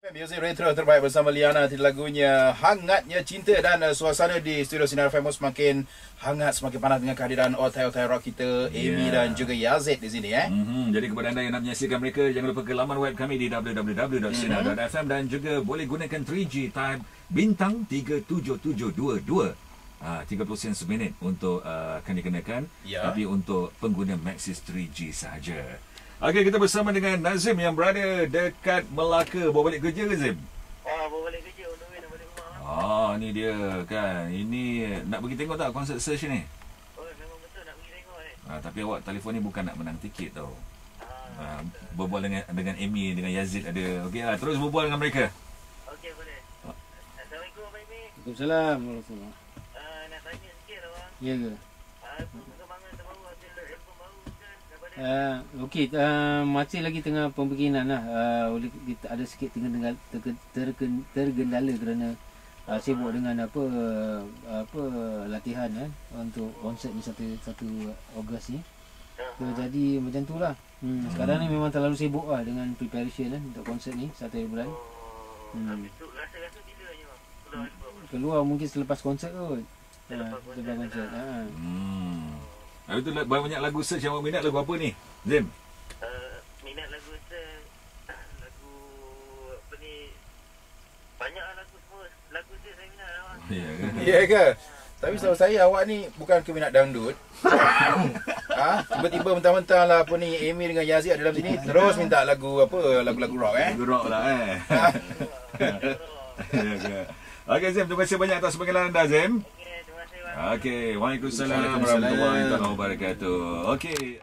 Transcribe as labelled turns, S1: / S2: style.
S1: Music retro terbaik bersama Liana. Lagunya Hangatnya Cinta, dan suasana di studio Sinar FM semakin hangat, semakin panas dengan kehadiran otai-otai rock kita, Amy dan juga Yazid di sini.
S2: Jadi kepada anda yang nak menyaksikan mereka, jangan lupa ke laman web kami di www.sinar.fm dan juga boleh gunakan 3G type bintang 37722. 30 sen seminit untuk akan dikenakan, tapi untuk pengguna Maxis 3G sahaja. Okey, kita bersama dengan Nazim yang berada dekat Melaka. Bawa balik kerja ke, Zim?
S3: Bawa balik kerja, nak balik rumah.
S2: Ni dia kan. Ini nak pergi tengok tak konsert Search ni?
S3: Memang betul nak pergi tengok ni.
S2: Tapi awak telefon ni bukan nak menang tiket tau. Berbual dengan Amy, dengan Yazid ada. Okey lah, terus berbual dengan mereka.
S3: Okey, boleh. Assalamualaikum, Abang Amy.
S4: Waalaikumsalam warahmatullahi.
S3: Nak tanya sikit abang.
S4: Ya ke?
S3: Perkembangan terbaru hasil album baru kan?
S4: Okey, masih lagi tengah pembikinan lah. Oleh kita ada sikit tergendala kerana sibuk dengan apa latihan untuk konsert ni 1 Ogos ni. Jadi macam tu lah. Sekarang ni memang terlalu sibuk lah dengan preparation untuk konsert ni 1 bulan.
S3: Rasa-rasa bila je bang?
S4: Keluar mungkin selepas konsert kot. Selepas konsert.
S2: Itu banyak lagu Search yang awak minat. Lagu apa ni, Zim?
S3: Minat lagu lagu apa ni, banyak lah lagu semua. Lagu saya minat lah bang.
S1: Ya ke? Tapi setahu saya awak ni bukan keminat dangdut. Tiba-tiba mentang-mentang lah apa ni, Amy dengan Yazid ada dalam sini, terus minta lagu lagu rock
S2: Lagu rock lah Okey, Zim, terima kasih banyak atas panggilan anda, Zim.
S3: Terima kasih bang.
S2: Okey, waalaikumsalam warahmatullahi wabarakatuh. Okey.